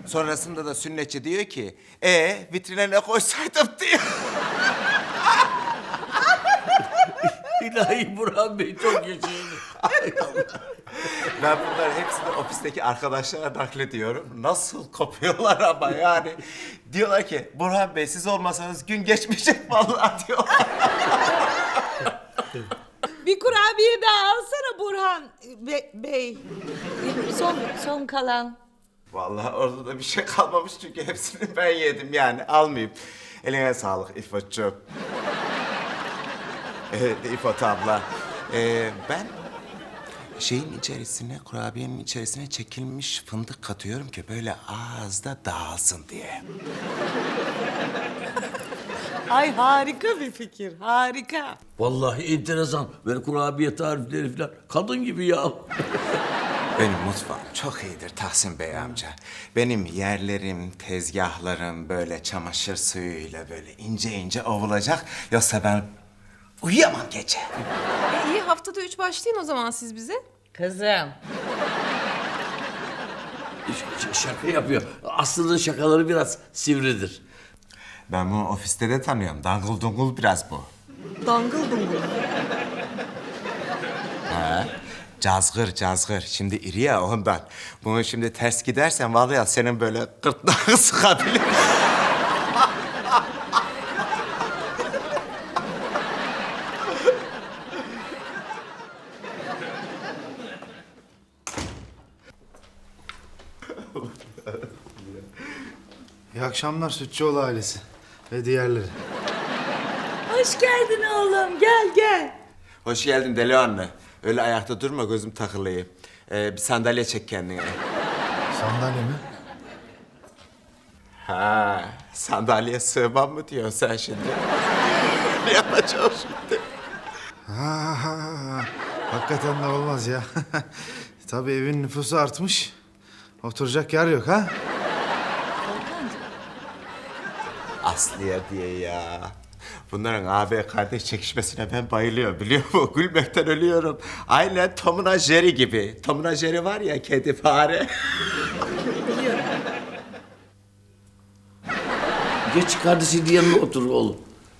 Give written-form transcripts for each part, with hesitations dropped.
Sonrasında da sünnetçi diyor ki, vitrine ne koysaydım diyor. İlahi Burhan Bey çok yaşayın. Ben bunların hepsini ofisteki arkadaşlara naklediyorum. Nasıl kopuyorlar ama yani. Diyorlar ki, Burhan Bey siz olmasanız gün geçmeyecek vallahi diyorlar. Bir kurabiye daha alsana Burhan Bey. Son kalan. Vallahi orada da bir şey kalmamış çünkü hepsini ben yedim yani almayayım. Eline sağlık İfo'cuğum. Evet İfot abla. Ben şeyin içerisine, kurabiyenin içerisine çekilmiş fındık katıyorum ki böyle ağızda dağılsın diye. Ay harika bir fikir, harika. Vallahi enteresan. Böyle kurabiye tarifleri falan. Kadın gibi ya. Benim mutfağım çok iyidir Tahsin Bey amca. Benim yerlerim, tezgahlarım böyle çamaşır suyuyla böyle ince ince ovulacak. Yoksa ben uyuyamam gece. İyi haftada 3 başlayın o zaman siz bize. Kızım. Şaka yapıyor. Aslında şakaları biraz sivridir. Ben bunu ofiste de tanıyorum. Dangıl dungul biraz bu. Dangıl dungul. Cazgır cazgır. Şimdi iri ya ondan. Bunu şimdi ters gidersen vallahi senin böyle gırtlağını sıkabilir. İyi akşamlar Sütçüoğlu ailesi ve diğerleri. Hoş geldin oğlum, gel. Hoş geldin Deli anne. Öyle ayakta durma gözüm takılıyor. Bir sandalye çek kendine. Sandalye mi? Ha, sandalyeye sığmam mı diyorsun sen şimdi? Ne yapacağım şimdi? Ha, hakikaten de olmaz ya. Tabii evin nüfusu artmış. Oturacak yer yok ha? Aslıya diye ya. Bunların abi kardeş çekişmesine ben bayılıyorum biliyor musun? Gülmekten ölüyorum. Aynen Tom'una Jerry gibi. Tom'una Jerry var ya kedi fare. Geç kardeşinin yanına otur oğlum.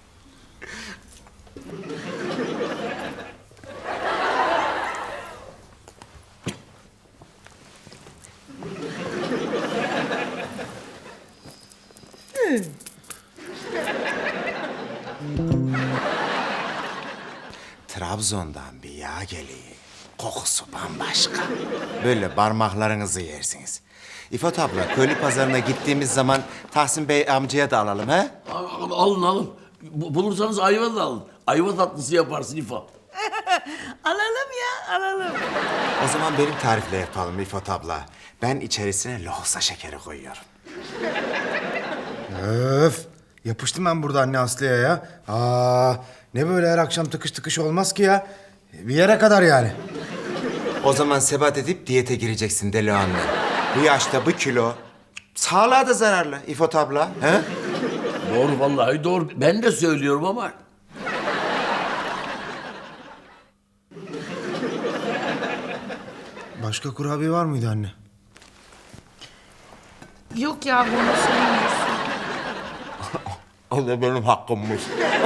Trabzon'dan bir yağ geliyor. Kokusu bambaşka. Böyle parmaklarınızı yersiniz. İfot abla, köylü pazarına gittiğimiz zaman Tahsin Bey amcaya da alalım ha? Alın. Bulursanız ayva da alın. Ayva tatlısı yaparsın İfa. Alalım ya, alalım. O zaman benim tarifle yapalım İfot abla. Ben içerisine lohusa şekeri koyuyorum. Öf! Yapıştım ben burada anne Aslı'ya ya. Ne böyle her akşam tıkış tıkış olmaz ki ya. Bir yere kadar yani. O zaman sebat edip diyete gireceksin deli anne. Bu yaşta bu kilo sağlığa da zararlı İfot abla. He? Doğru vallahi doğru. Ben de söylüyorum ama Başka kurabiye var mıydı anne? Yok ya bunu söylemiyorsun. O da benim hakkımmış.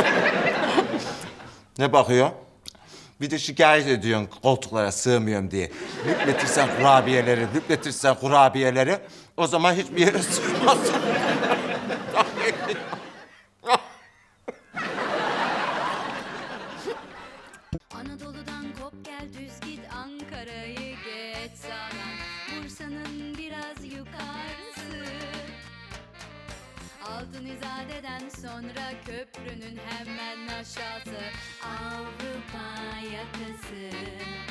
Ne bakıyor? Bir de şikayet ediyorsun koltuklara sığmıyorum diye. Lüpletirsen kurabiyeleri o zaman hiçbir yere sığmazsın. Anadolu'dan kop gel düz git Ankara'yı geç sağdan Bursa'nın biraz yukarısı Altın İzade'den sonra köprünün hemen aşağısı Avrupa yakası